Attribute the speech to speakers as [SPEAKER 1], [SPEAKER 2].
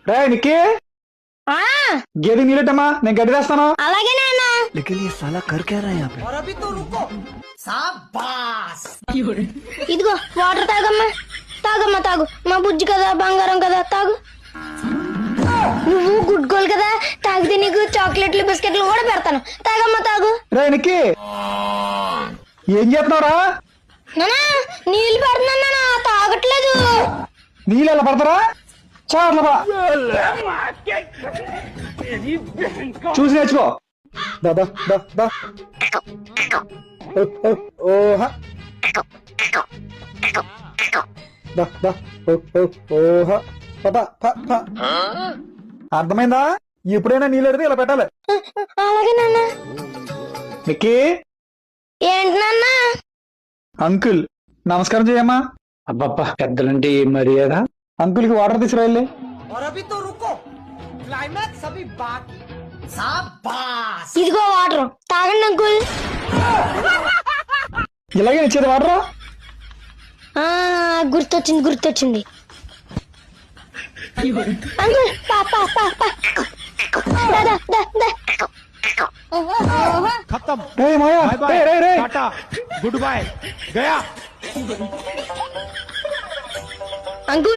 [SPEAKER 1] రే నిక్కి
[SPEAKER 2] ఆ
[SPEAKER 1] గేదె నీళ్ళటమ్మా నేను గడ్డి వేస్తాను.
[SPEAKER 2] అలాగే నాన్న.
[SPEAKER 3] लेकिन ये साला कर क्या रहा है यहाँ पे?
[SPEAKER 2] ఇదిగో వాటర్ తాగమ్మా. తాగమ్మా తాగు. మా బుజ్జి కదా, బంగారం కదా, తాగు. నువ్వు గుడ్ గోల్ కదా, తాగితే నీకు చాక్లెట్లు బిస్కెట్లు కూడా పెడతాను. తాగమ్మా తాగు.
[SPEAKER 1] రే నిక్కి ఏం చేస్తున్నావురా?
[SPEAKER 2] నానా నీళ్ళు పెడుతున్నా నాన్న, తాగట్లేదు.
[SPEAKER 1] నీళ్ళు ఎలా పడతారా? చాట్ల చూసి నేర్చుకో. దా దా దా దా. ఓహా దా దా ఓహా పద ప ప. అర్థమైందా? ఎప్పుడైనా నీళ్ళు అడితే ఇలా పెట్టాలి.
[SPEAKER 2] అలాగే నాన్న.
[SPEAKER 1] నిక్కి
[SPEAKER 2] ఏంటి నాన్న?
[SPEAKER 1] అంకుల్ నమస్కారం చేయమ్మా.
[SPEAKER 3] అబ్బబ్బా పెద్దలంటే ఏం మర్యాద.
[SPEAKER 1] అంకుల్ కి వాటర్ తీసుకురా వెళ్ళి.
[SPEAKER 2] ఇదిగో వాటర్ తాగండి అంకుల్.
[SPEAKER 1] ఇలాగే ఇచ్చేది వాటర్.
[SPEAKER 2] గుర్తొచ్చింది గుర్తొచ్చింది. అంకుల్ పా పా పా పా. దా దా దా దా.
[SPEAKER 4] खत्म
[SPEAKER 1] రే మాయా రే రే రే.
[SPEAKER 4] टाटा गुड बाय गया
[SPEAKER 2] అంకుల్